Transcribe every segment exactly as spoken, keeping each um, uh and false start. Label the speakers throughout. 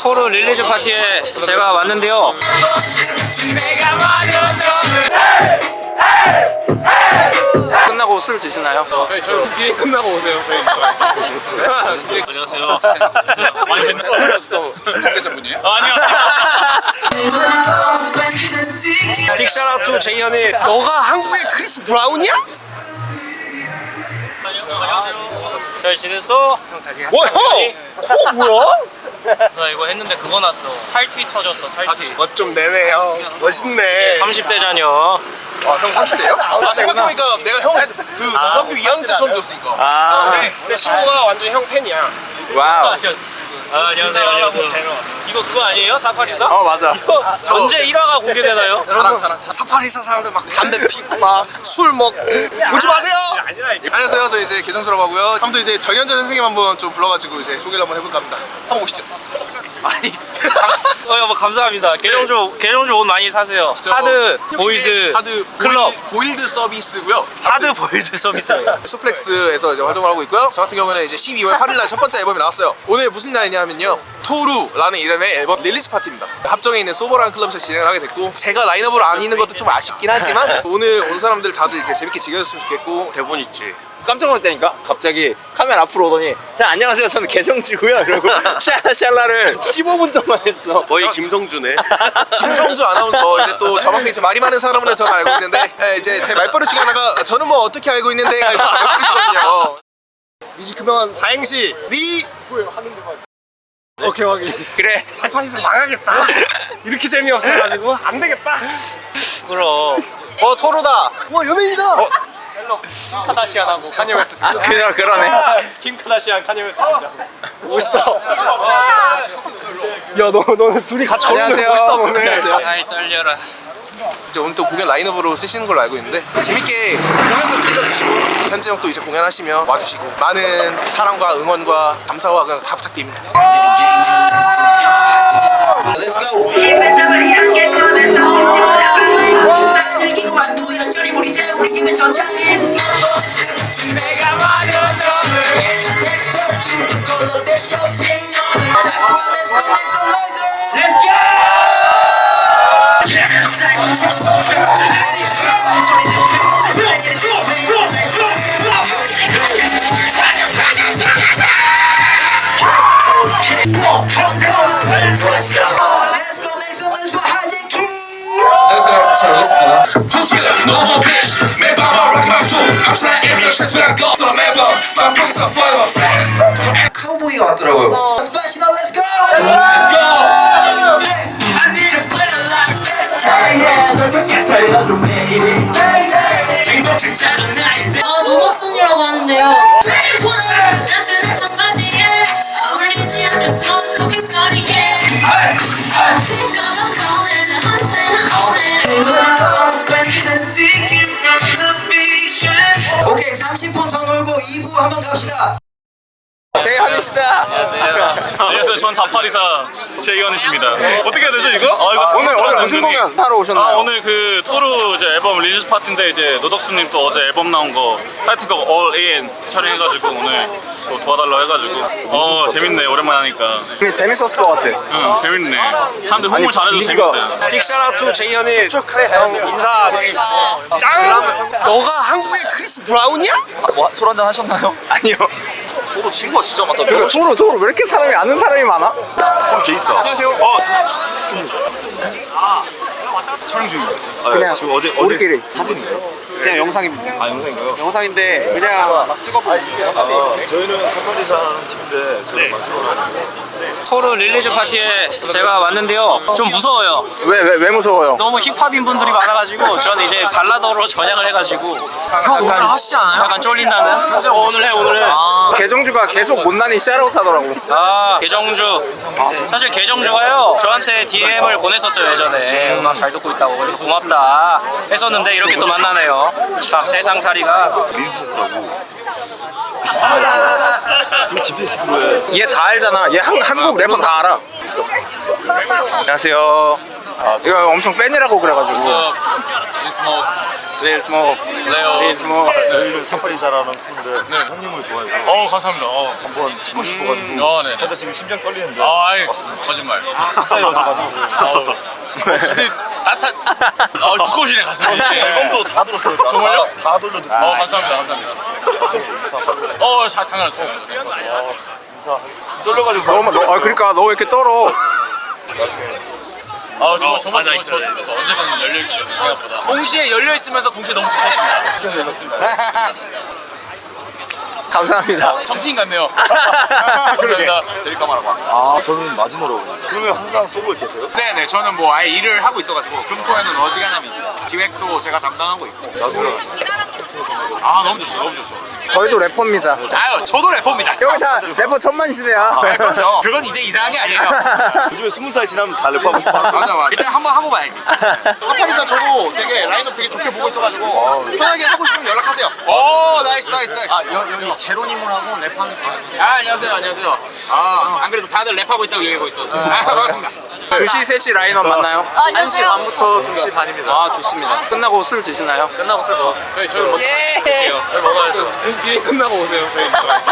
Speaker 1: 토르 릴리즈 파티에 제가 왔는데요. 끝나고 술 드시나요?
Speaker 2: 저희 저 뒤에 끝나고 오세요. 저희
Speaker 1: 안녕하세요.
Speaker 2: 많이 뵀는데 또 관계자분이에요?
Speaker 1: 아니요.
Speaker 3: 빅샤라 투 제이현이 너가 한국의 크리스 브라운이야?
Speaker 1: 잘 지냈어?
Speaker 3: 뭐 형? 코 뭐야?
Speaker 1: 나 이거 했는데 그거 났어. 살티 터졌어. 살티.
Speaker 3: 멋 좀 내네 형. 멋있네.
Speaker 1: 삼십 대 자녀.
Speaker 2: 아형 삼십대요? 아 생각해보니까 내가 형 그 중학교 이 학년 때 처음 들었으니까.
Speaker 3: 아, 내 친구가 완전 형 팬이야. 와우.
Speaker 1: 아, 저, 아, 안녕하세요. 안녕하세요. 이거 그거 아니에요? 사파리사?
Speaker 3: 어 맞아.
Speaker 1: 이거 전제 일 화가 공개되나요?
Speaker 3: 여러분 사파리사 사람들 막 담배 피고 막 술 먹고 보지 마세요.
Speaker 2: 안녕하세요. 저 이제 개성수라고 하고요. 아무튼 이제 정현재 선생님 한번 좀 불러가지고 이제 소개를 한번 해볼까 합니다. 한번 오시죠.
Speaker 1: 아니. 어, 여보 감사합니다. 계정주 계정주 옷 많이 사세요.
Speaker 2: 저
Speaker 1: 하드 보이즈
Speaker 2: 하드
Speaker 1: 클럽.
Speaker 2: 보일, 보일드 서비스고요.
Speaker 1: 하드 보이즈 서비스예요.
Speaker 2: 수플렉스에서 이제 활동을 하고 있고요. 저 같은 경우는 이제 십이월 팔일날 첫 번째 앨범이 나왔어요. 오늘 무슨 날이냐면요, 토루라는 이름의 앨범 릴리즈 파티입니다. 합정에 있는 소버라는 클럽에서 진행을 하게 됐고, 제가 라인업으로 안 있는 것도 좀 아쉽긴 하지만 오늘 온 사람들 다들 이제 재밌게 즐겨줬으면 좋겠고.
Speaker 3: 대본 있지. 깜짝 놀랐다니까? 갑자기 카메라 앞으로 오더니 자 안녕하세요 저는 개성지고요 이러고 샬라샬라를 십오 분 동안 했어. 거의 김성주네.
Speaker 2: 김성주 아나운서, 이제 또 저만큼 이제 말이 많은 사람으로 저는 알고 있는데, 예, 이제 제 말버릇 중에 하나가 저는 뭐 어떻게 알고 있는데 이렇게 말버릇이거든요.
Speaker 3: 이제 그러면 사행시 니 뭐예요 하는데 막 오케이 확인. 그래 사파리사 망하겠다. 이렇게 재미없어가지고 안 되겠다.
Speaker 1: 그럼. 어 토르다.
Speaker 3: 와 연예인이다. 어.
Speaker 1: 카다시안하고 카니 웨스트.
Speaker 3: 아 그냥 그러네.
Speaker 1: 킴 카다시안 카니 웨스트.
Speaker 3: 멋있다. 야 너 너는 둘이 같이 걸으면 멋있다 너네.
Speaker 1: 아이 떨려라.
Speaker 2: 이제 오늘 또 공연 라인업으로 쓰시는 걸로 알고 있는데, 재밌게 공연도 즐겨주시고 현재 형도 이제 공연하시면 와주시고 많은 사랑과 응원과 감사와 그냥 다 부탁드립니다. Let's go. 잘 오겠습니다.
Speaker 3: 카우보이가 왔더라고요.
Speaker 4: 아, 노덕순이라고 하는데요.
Speaker 5: 오케이 삼십 분 더 놀고 이 부 한번 갑시다.
Speaker 3: 제이현이시다.
Speaker 6: 안녕하세요. 전 사파리사 제이현이십니다. 어떻게 해야 되죠 이거? 아 이거
Speaker 3: 오늘 오늘 무슨 공연 하러 오셨나요?
Speaker 6: 아 오늘 그 토르 이제 앨범 릴리즈 파티인데 이제 노덕수님 또 어제 앨범 나온 거 타이틀곡 All In 촬영해가지고 오늘 또 도와달라고 해가지고 어 재밌네 오랜만에 하니까.
Speaker 3: 근데 재밌었을 것 같아.
Speaker 6: 응 재밌네. 사람들 홍보 잘해줘서 재밌어요.
Speaker 3: 빅샤라 투 제이현이 형 인사. 짱! 너가 한국의 크리스 브라운이야?
Speaker 7: 뭐, 술 한잔 하셨나요?
Speaker 3: 아니요.
Speaker 7: 저도 친구가 진짜 많다.
Speaker 3: 그리고 도로 도로 왜 이렇게 사람이 아는 사람이 많아? 그럼 걔 있어. 안녕하세요. 어. 촬영 중입니다. 그냥 지금 어제 우리끼리 사진이에요?
Speaker 8: 그냥 영상입니다.
Speaker 3: 아 영상인가요?
Speaker 8: 영상인데 그냥 막 찍어보고 있어요.
Speaker 6: 저희는 사파리사라는 팀인데 저도 막
Speaker 1: 토르 릴리즈 파티에 제가 왔는데요. 좀 무서워요.
Speaker 3: 왜 왜 왜 무서워요?
Speaker 1: 너무 힙합인 분들이 많아가지고 저는 이제 발라더로 전향을 해가지고
Speaker 7: 형 오늘 하시지 않아요?
Speaker 1: 약간 쫄린다는?
Speaker 7: 현재
Speaker 1: 오늘 해 오늘 해.
Speaker 7: 아,
Speaker 3: 개정주가 계속 못난이 샤라웃 하더라고.
Speaker 1: 아 계정주. 사실 계정주가요 저한테 디엠을 보냈었어요 예전에. 음악 잘 듣고 있다고. 그래서 고맙다 했었는데 이렇게 또 만나네요. 참 세상살이가.
Speaker 3: 얘 다 알잖아. 얘 한, 한국 래퍼 다 알아. 안녕하세요. 아, 제가 엄청 팬이라고 그래가지고.
Speaker 2: 스모크.
Speaker 3: Little small.
Speaker 6: 레오.
Speaker 3: Little small.
Speaker 4: 저희는 사파리사라는 팀인데 형님을 좋아해서
Speaker 6: 어 감사합니다. 어.
Speaker 4: 한번 찍고 싶어가지고
Speaker 6: 어, 네.
Speaker 4: 살짝 지금 심장 떨리는데
Speaker 6: 아, 아이, 거짓말.
Speaker 4: 진짜 열어가지고
Speaker 6: 아우. 사실 따뜻한. 어, 두꺼우시네 가슴이.
Speaker 4: 앨범도 다 들었어요.
Speaker 6: 정말요?
Speaker 4: 다, 다 돌려 듣고
Speaker 6: 어, 감사합니다. 감사합니다. 어, 자, 당연하죠.
Speaker 4: 인사하겠습니다. 떨려가지고
Speaker 3: 너무 너, 아 그러니까 너 왜 이렇게 떨어?
Speaker 6: 아, 정말 정말 정말 좋았습니다. 언제까지 열려 있기 때문에 생각보다. 동시에 열려 있으면서 동시에 너무 닫혔습니다.
Speaker 3: 감사합니다.
Speaker 6: 정치인 같네요. 감사합니다.
Speaker 4: 아 저는 마지노라고. 그러면 항상 쏘고 계세요?
Speaker 9: 네네 저는 뭐 아예 일을 하고 있어가지고 금토에는 어지간함이 있어요. 기획도 제가 담당하고 있고.
Speaker 4: 나중에
Speaker 9: 아 너무 좋죠 너무 좋죠.
Speaker 3: 저희도 래퍼입니다.
Speaker 9: 아유 저도 래퍼입니다.
Speaker 3: 여기 다 래퍼 천만 시대야.
Speaker 9: 네, 그럼요. 그건 이제 이상한 게 아니에요.
Speaker 4: 요즘에 스무 살 지나면 다 랩하고 싶어.
Speaker 9: 맞아 맞아. 일단 한번 하고 봐야지. 사파리사 저도 되게 라인업 되게 좋게 보고 있어가지고 편하게 하고 싶으면 연락하세요. 오 나이스 나이스 나이스. 아 여, 여기 제로님하고 랩하는 친구. 아 안녕하세요 안녕하세요. 아안 그래도 다들 랩하고 있다고 얘기하고 있어. 아 반갑습니다.
Speaker 3: 두 시, 세 시 라인업 맞나요?
Speaker 10: 한 시
Speaker 3: 반부터 두 시 반입니다. 아 좋습니다. 끝나고 술 드시나요? 끝나고 술 먹.
Speaker 1: 저희 저희 뭐
Speaker 10: 예.
Speaker 1: 저희 먹어야죠. 뒤에 끝나고 오세요. 저희.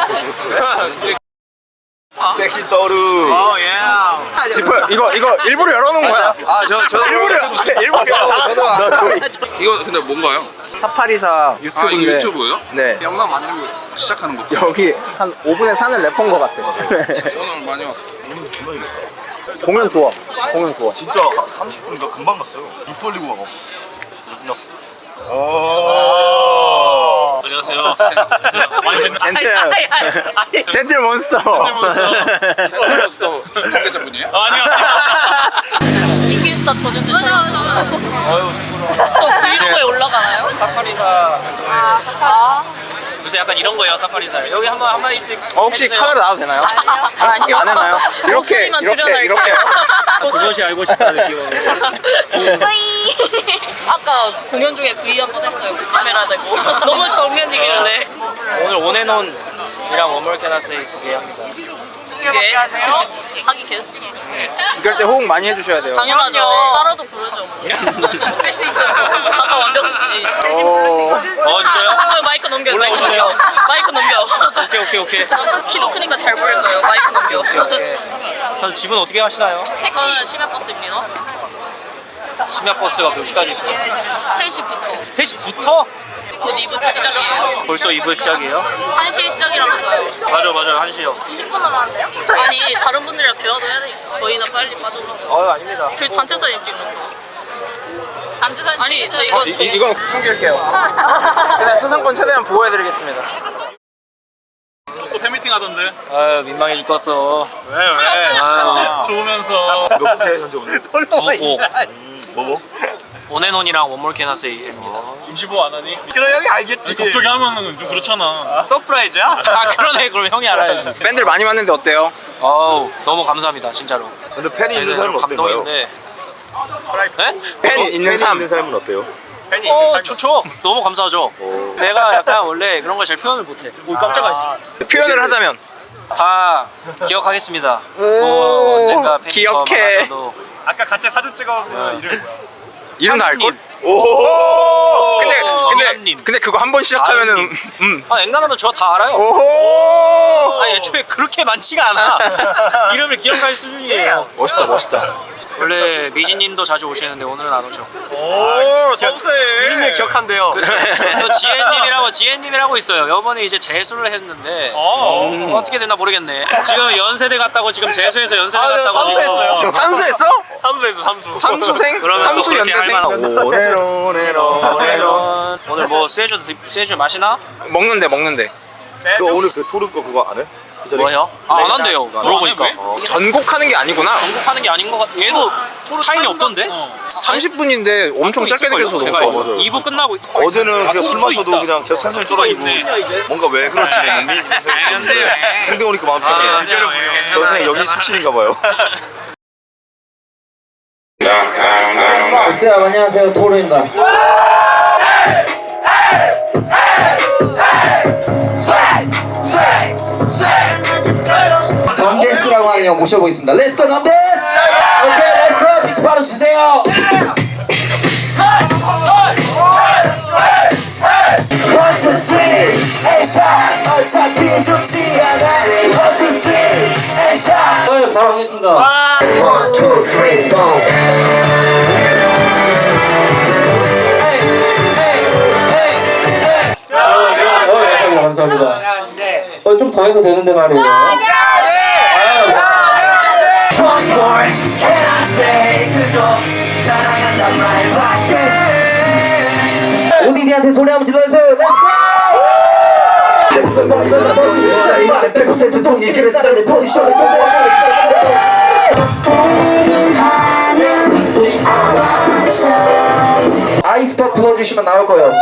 Speaker 4: 섹시 떠루.
Speaker 3: 지퍼 이거 이거 일부러 열어놓은 거야.
Speaker 7: 아저 저
Speaker 3: 일부러 일부러 열어.
Speaker 8: 이거 근데 뭔가요?
Speaker 3: 사파리사
Speaker 8: 아 이거
Speaker 3: 유튜브인데.
Speaker 8: 유튜브예요?
Speaker 3: 네.
Speaker 8: 영상 만들고 있어. 시작하는 거.
Speaker 3: 여기 한 오 분에 사는 래퍼인 것 같아.
Speaker 8: 오늘 많이 왔어.
Speaker 3: 공연 좋아. 공연 좋아.
Speaker 4: 진짜 삼십 분인가 금방 갔어요. 입 벌리고 막. 끝났어.
Speaker 6: 안녕하세요.
Speaker 3: 젠틀. 젠틀 몬스터.
Speaker 8: 또 관계자분이에요?
Speaker 6: 아니요.
Speaker 10: 인기 스타 전현주처럼. 저 브이로그에 올라가나요?
Speaker 1: 사파리사
Speaker 10: 아
Speaker 1: 요새 약간 이런 거예요. 사파리사. 여기 한번 한 마디씩.
Speaker 3: 어, 혹시
Speaker 1: 해주세요.
Speaker 3: 카메라 나와도 되나요?
Speaker 10: 아니요.
Speaker 3: 안 해나요? 이렇게
Speaker 10: 목소리만
Speaker 3: 이렇게
Speaker 10: 줄여놔요.
Speaker 3: 이렇게.
Speaker 1: 그것이 알고 싶다는 기억.
Speaker 10: 아까 공연 중에 V 한 번 했어요. 그 카메라 대고 너무 정면이길래.
Speaker 1: 오늘 온앤온이랑 원몰 캐나세이 두 개 합니다.
Speaker 10: 예. 하기 게스트.
Speaker 3: 이럴 때 호응 많이 해주셔야 돼요.
Speaker 10: 당연하죠. 따라도 부르죠. 할 수 있죠. 가사 완벽 숙지.
Speaker 1: 어 진짜요?
Speaker 10: 아, 마이크 넘겨. 마이크
Speaker 1: 올라오시네요.
Speaker 10: 넘겨. 마이크 넘겨.
Speaker 1: 오케이 오케이 오케이.
Speaker 10: 키도 크니까 잘 보일 거예요. 마이크 넘겨.
Speaker 1: 오케이. 저 집은 어떻게 가시나요?
Speaker 10: 저는 심야버스입니다.
Speaker 1: 심야버스가 몇 시까지 있어요?
Speaker 10: 세 시부터.
Speaker 1: 세 시부터?
Speaker 10: 곧 이 부 시작이에요.
Speaker 1: 벌써 이 부 시작이에요?
Speaker 10: 한 시 시작이라면서요.
Speaker 1: 맞아 맞아 한 시요.
Speaker 10: 이십 분으로 하는데요? 아니 다른 분들이랑 대화도 해야 되니까 저희는 빨리 빠져오라고.
Speaker 1: 어 아닙니다.
Speaker 10: 저희 단체 사진 찍는 거. 단체 사진 아니 네,
Speaker 3: 어,
Speaker 10: 이건
Speaker 3: 이,
Speaker 10: 저...
Speaker 3: 이건 숨길게요. 그냥 초상권 최대한 보호해드리겠습니다.
Speaker 6: 또 팬미팅 하던데.
Speaker 1: 아유 민망해 죽겠어.
Speaker 6: 왜 왜?
Speaker 1: 아유.
Speaker 6: 좋으면서.
Speaker 4: 몇 개 현재 오늘?
Speaker 1: 구곡
Speaker 4: 뭐 뭐?
Speaker 1: 온앤온이랑 원몰 캐나세이입니다.
Speaker 6: 임시보 안 하니?
Speaker 3: 그럼 형이 알겠지.
Speaker 6: 갑자기 하면은 좀 그렇잖아.
Speaker 3: 서프라이즈야?
Speaker 1: 아 그러네. 그럼 형이 알아야지.
Speaker 3: 팬들 많이 왔는데 어때요?
Speaker 1: 어우 너무 감사합니다 진짜로.
Speaker 4: 근데 팬이 있는 삶은 어떤가요?
Speaker 1: 감동인데. 네?
Speaker 3: 팬이 있는
Speaker 4: 팬이
Speaker 3: 삶.
Speaker 4: 있는 삶은 어때요?
Speaker 1: 어 좋죠. 너무 감사하죠. 내가 약간 원래 그런 걸 잘 표현을 못해. 오 깜짝아.
Speaker 3: 표현을 하자면.
Speaker 1: 다 기억하겠습니다. 뭐 언젠가 팬이
Speaker 3: 기억해.
Speaker 1: 더 많아져도.
Speaker 6: 아까 같이 사진 찍어보면 이름 뭐야?
Speaker 3: 이름 다 알걸? 오. 근데 근데
Speaker 1: 정현님.
Speaker 3: 근데 그거 한 번 시작하면은 음.
Speaker 1: 아 앵간하면 저 다 알아요.
Speaker 3: 오.
Speaker 1: 아니 애초에 그렇게 많지가 않아. 이름을 기억할 수준이에요.
Speaker 4: 멋있다 멋있다.
Speaker 1: 원래 미진님도 자주 오시는데 오늘은 안 오셔.
Speaker 6: 오 섬세.
Speaker 1: 미진님 기억한대요. 저 지혜님이라고 지혜님이라고 있어요. 이번에 이제 재수를 했는데
Speaker 6: 어.
Speaker 1: 음, 어떻게 됐나 모르겠네. 지금 연세대 갔다고 지금 재수해서 연세대
Speaker 6: 아, 네,
Speaker 1: 갔다고.
Speaker 6: 삼수했어요.
Speaker 3: 삼수했어?
Speaker 6: 삼수했어 삼수.
Speaker 3: 삼수생?
Speaker 1: 그러면 또
Speaker 3: 삼수
Speaker 1: 그렇게 할
Speaker 3: 연대생?
Speaker 1: 만한.
Speaker 3: 오네로 오네로 오네로.
Speaker 1: 오늘 뭐 세주 세주 마시나?
Speaker 3: 먹는데 먹는데.
Speaker 4: 그 오늘 그 토르 거 그거 안 해? 그 자리-
Speaker 1: 뭐요? 아, 안 한대요. 물어보니까.
Speaker 6: 왜?
Speaker 3: 전곡하는 게 아니구나.
Speaker 1: 전국하는 게 아닌 것 같. 얘도 타임이 없던데?
Speaker 3: 삼십 분인데 엄청 짧게 들려서 너무
Speaker 1: 제가
Speaker 3: 좋아.
Speaker 4: 맞아요.
Speaker 1: 이 부 끝나고.
Speaker 4: 어제는 그냥 술
Speaker 6: 토르
Speaker 4: 마셔도
Speaker 6: 있다.
Speaker 4: 그냥 계속 산산이 쫄아지고 뭔가 왜 그렇지 내 몸이 그런 생각이 드는데 홍대 오니까 마음 편해요. 저 그냥 여기 수실인가 봐요.
Speaker 5: 글쎄요 안녕하세요 토르입니다. 덤데스라고 하는 형 모셔보겠습니다. 렛츠고 덤데스! 오케이 렛츠고 비트 바로 주세요. One, two, three, and shot. 어차피 죽지 않아. One, two, three, and shot.
Speaker 1: 네, 바로 하겠습니다.
Speaker 5: One, two, three, four.
Speaker 1: 어, 감사합니다. 어, 좀 더 해도 되는데 말이에요.
Speaker 5: One more, can I say 그저 사랑한단 말밖에. 오디디한테 소리 한번 질러주세요. Let's go! 버리면 멋지 나의 말에 백 퍼센트 동의 길을 따라 내 포지션을 아이스팝 불러주시면 나올 거예요.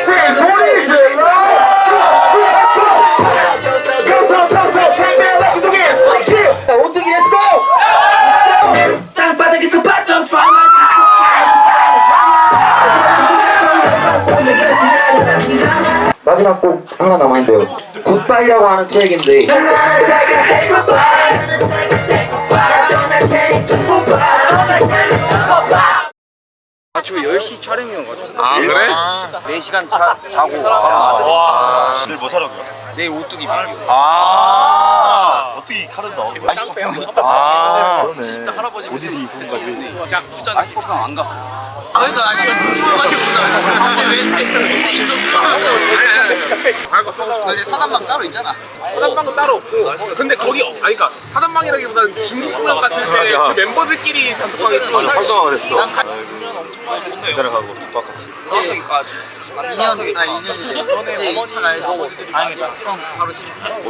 Speaker 5: 오뚜기 렛츠고! 땅바닥에서 봤던 드라마 마지막 곡 하나 남아있는데요. 굿바이라고 하는 트랙인데
Speaker 2: 아 그래?
Speaker 7: 네 시간 자, 자고
Speaker 6: 와. 내일 뭐 사러 가요?
Speaker 7: 내일 오뚜기 비교.
Speaker 6: 아. 어떻게 카드 나오는 거야?
Speaker 7: 아
Speaker 6: 그러네. 오디디 입은 가지고.
Speaker 7: 아이스퍼프랑 안 갔어.
Speaker 9: 그러니까 나 지금 뒤집어가지고 갑자기 왜 근데 있었어? 나 이제 사단방 따로 있잖아.
Speaker 2: 사단방은 따로 없고 근데 거기 아니 그러니까 사단방이라기보다는 중국 공연 갔을 때 그 멤버들끼리 단톡방에 좀
Speaker 6: 활성화가 됐어. 내려가고 똑같이.
Speaker 9: 이 년, 아 이 년이지. 이제 이 차 가야지. 다행이다. 그럼 바로 집에.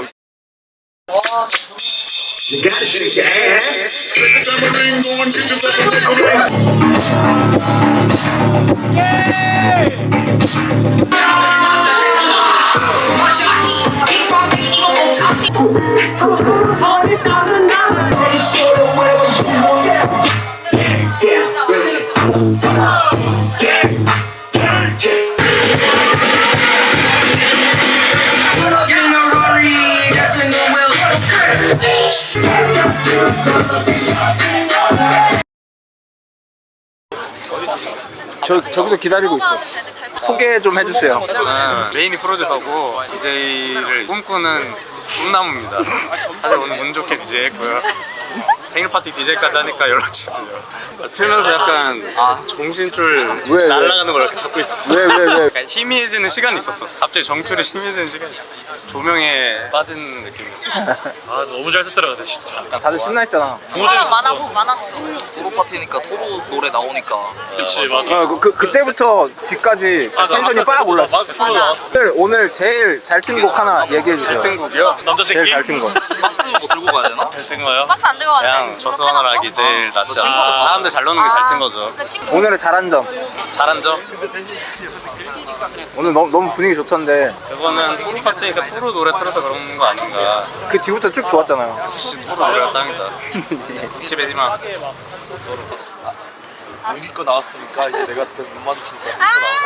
Speaker 3: 저, 저기서 기다리고 있어. 소개 좀 해주세요.
Speaker 11: 저는 레인이 프로듀서고 디제이를 꿈꾸는 꿈나무입니다. 사실 오늘 운 좋게 디제이 했고요. 생일 파티 디제이까지 하니까 연락 주세요. 틀면서 약간 아 정신줄
Speaker 3: 왜,
Speaker 11: 날아가는 걸 이렇게 잡고 있었어.
Speaker 3: 왜, 왜, 왜?
Speaker 11: 약간 희미해지는 시간이 있었어. 갑자기 정줄이 희미해지는 시간이 있었어. 조명에 빠진 느낌이었어.
Speaker 6: 아 너무 잘 썼더라 진짜.
Speaker 3: 다들 신나했잖아.
Speaker 10: 사람 많았어 많았어.
Speaker 7: 토로 파티니까 토로 노래 나오니까.
Speaker 6: 그렇지 맞아.
Speaker 3: 어, 그, 그, 그때부터 뒤까지 텐션이 빡 올랐어. 오늘, 오늘 제일 잘 튼 곡 하나 얘기해주세요.
Speaker 11: 등곡이요?
Speaker 6: 남자
Speaker 3: 제일
Speaker 6: 새끼.
Speaker 3: 잘 튼 거.
Speaker 7: 박스 뭐 들고 가야 되나?
Speaker 11: 잘 뜬 거요?
Speaker 10: 박스 안 들고 왔네.
Speaker 11: 그냥 저승원을 하기 제일 낫죠. 사람들 잘 노는 게 잘 뜬 거죠.
Speaker 10: 그 친구
Speaker 3: 오늘의 잘한 점.
Speaker 11: 잘한 점?
Speaker 3: 오늘 너무, 너무 분위기 좋던데
Speaker 11: 그거는 토로 파티니까 토로 노래 틀어서 그런 거 아닌가.
Speaker 3: 그 뒤부터 쭉 좋았잖아요.
Speaker 11: 역시 토로 노래가 짱이다. 집에지 마.
Speaker 4: 기껏 나왔으니까 이제 내가 계속 못 맞추니까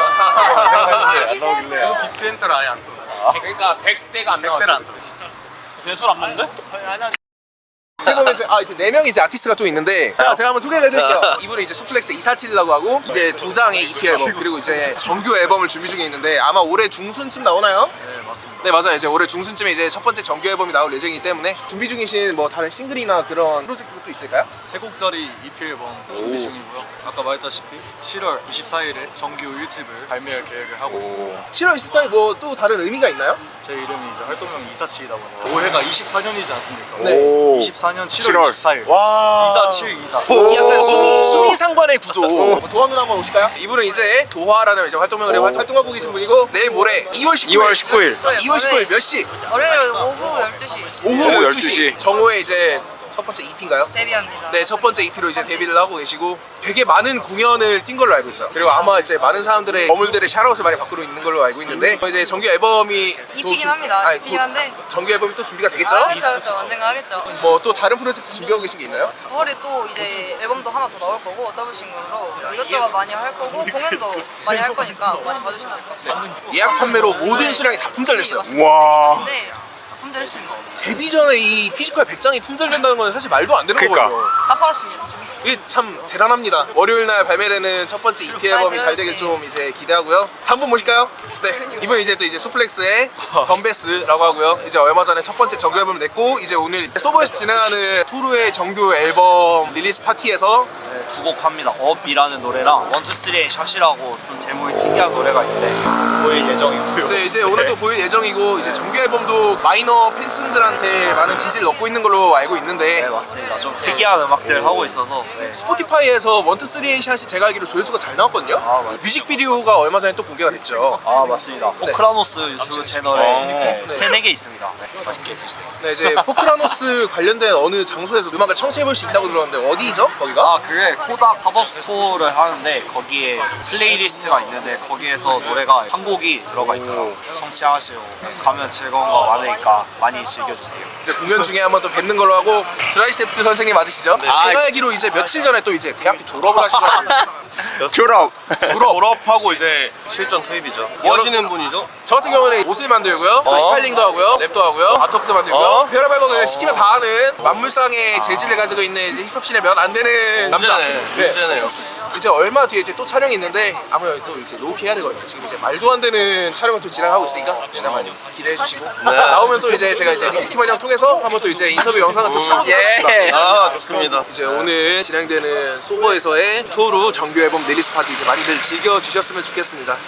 Speaker 11: 안 나오길래. 빅밴드를 아예 안 들었어.
Speaker 2: 그러니까 백 대가 안 나와.
Speaker 11: 백대를 안 들었어.
Speaker 6: 술안 먹는데?
Speaker 2: 어떻게 보면 이제, 아, 이제 네 명이 이제 아티스트가 좀 있는데 자, 제가 한번 소개를 해드릴게요. 이분은 이제 수플렉스 이사칠이라고 하고 이제 두 장의 이피 앨범 그리고 이제 정규 앨범을 준비 중에 있는데 아마 올해 중순쯤 나오나요?
Speaker 11: 네 맞습니다.
Speaker 2: 네 맞아요. 이제 올해 중순쯤에 이제 첫 번째 정규 앨범이 나올 예정이기 때문에 준비 중이신 뭐 다른 싱글이나 그런 프로젝트가 또 있을까요?
Speaker 11: 세 곡짜리 이피 앨범 준비 중이고요. 아까 말했다시피 칠월 이십사일에 정규 일 집을 발매할 계획을 하고 있습니다.
Speaker 2: 칠월 이십사일 뭐 또 다른 의미가 있나요?
Speaker 11: 제 이름이 이제 활동명이 이사칠이다 보니까 올해가 이십사년이지 않습니까?
Speaker 2: 네.
Speaker 11: 이십사년 칠월 이십사일.
Speaker 2: 와.
Speaker 11: 이사칠 이사.
Speaker 2: 이 약간 수미, 수미상관의 구조. 도화 누나 한번 오실까요? 이분은 이제 도화라는 이제 활동명으로 활동하고 계신 분이고 내일 모레 이월 십구일
Speaker 3: 이월 십구일
Speaker 2: 이월 십구일 몇 시?
Speaker 10: 월요일 오후 열두 시
Speaker 2: 오후
Speaker 3: 오후
Speaker 2: 열두 시 정오에 이제 첫 번째 이피인가요?
Speaker 10: 데뷔합니다.
Speaker 2: 네, 첫 번째 이피로 이제 데뷔를 하고 계시고 되게 많은 공연을 뛴 걸로 알고 있어요. 그리고 아마 이제 많은 사람들의 거물들의 샤라웃을 많이 받고 있는 걸로 알고 있는데 이제 정규 앨범이 또
Speaker 10: 이피긴
Speaker 2: 주-
Speaker 10: 합니다.
Speaker 2: 아니,
Speaker 10: 이피긴
Speaker 2: 또
Speaker 10: 한데
Speaker 2: 정규 앨범이 또 준비가 되겠죠?
Speaker 10: 아, 그렇죠, 그렇죠. 언젠가 하겠죠.
Speaker 2: 뭐 또 다른 프로젝트 준비하고 계신 게 있나요?
Speaker 10: 구월에 또 이제 앨범도 하나 더 나올 거고 더블 싱글로 이것저것 많이 할 거고 공연도 많이 할 거니까 많이 봐주시면 될 것 같아요.
Speaker 2: 예약 판매로 모든 수량이 다 품절됐어요.
Speaker 10: 와. 품절했습니다.
Speaker 2: 데뷔 전에 이 피지컬 백 장이 품절된다는 건 사실 말도 안 되는
Speaker 11: 그러니까.
Speaker 2: 거거든요.
Speaker 10: 다 팔았습니다.
Speaker 2: 이게 참 대단합니다. 월요일 날 발매되는 첫 번째 이피 앨범이 잘 되길 좀 이제 기대하고요. 다음 분 모실까요? 네, 이번 이제 또 이제 수플렉스의 덤베스라고 하고요. 이제 얼마 전에 첫 번째 정규 앨범을 냈고 이제 오늘 소버에서 진행하는 토르의 정규 앨범 릴리스 파티에서
Speaker 7: 네, 두 곡 합니다. 업이라는 노래랑 원투쓰리의 샷이라고 좀 제목이 특이한 노래가 있는데 보일 예정이고요.
Speaker 2: 네, 이제 오늘 또 보일 예정이고 이제 정규 앨범도 마이너 팬층들한테 많은 지지를 얻고 있는 걸로 알고 있는데
Speaker 7: 네, 맞습니다. 좀 특이한 음악들 하고 있어서 네.
Speaker 2: 스포티파이에서 원투 쓰리 샷이 제가 알기로 조회수가 잘 나왔거든요.
Speaker 7: 아, 맞아요.
Speaker 2: 뮤직비디오가 얼마 전에 또 공개가 됐죠.
Speaker 7: 아 맞습니다. 포크라노스 유튜브 채널에
Speaker 2: 네.
Speaker 7: 세네 개 있습니다. 네, 맛있게 드시네요.
Speaker 2: 네, 이제 포크라노스 관련된 어느 장소에서 음악을 청취해볼 수 있다고 들었는데 어디죠? 거기가?
Speaker 7: 아 그게 코닥 팝업 스토어를 하는데 거기에 플레이리스트가 있는데 거기에서 노래가 한 곡이 들어가 있더라고요. 청취하시고 가면 즐거운 거 많으니까 많이 즐겨주세요.
Speaker 2: 이제 공연 중에 한번 또 뵙는 걸로 하고 드라이세프트 선생님 맞으시죠?
Speaker 11: 네.
Speaker 2: 제가 알기로 이제 며칠 전에 또 이제 대학교 졸업을 하시더라고요.
Speaker 11: 졸업.
Speaker 2: 졸업.
Speaker 11: 졸업하고 이제 실전 투입이죠. 뭐 하시는 분이죠?
Speaker 2: 저 같은 경우는 옷을 만들고요, 또
Speaker 11: 어?
Speaker 2: 스타일링도 하고요, 랩도 하고요, 아트워크도 만들고요,
Speaker 11: 어?
Speaker 2: 별의별 거 그냥 시키면 다 하는 만물상의 재질을 가지고 있는 이제 힙합씬의 몇 안 되는 남자. 네.
Speaker 11: 문제네요.
Speaker 2: 이제 얼마 뒤에 이제 또 촬영이 있는데 아무래도 또 이제 로우키 해야 되거든요. 지금 이제 말도 안 되는 촬영을 또 진행하고 있으니까 혹시나 많이 기대해 주시고 나오면 또 이제 제가 이제 리치키만 형 통해서 한번 또 이제 인터뷰 영상을 또 참고하겠습니다.
Speaker 11: 아 좋습니다.
Speaker 2: 이제 오늘 진행되는 소버에서의 토르 정규 앨범 릴리스 파티 이제 많이들 즐겨 주셨으면 좋겠습니다.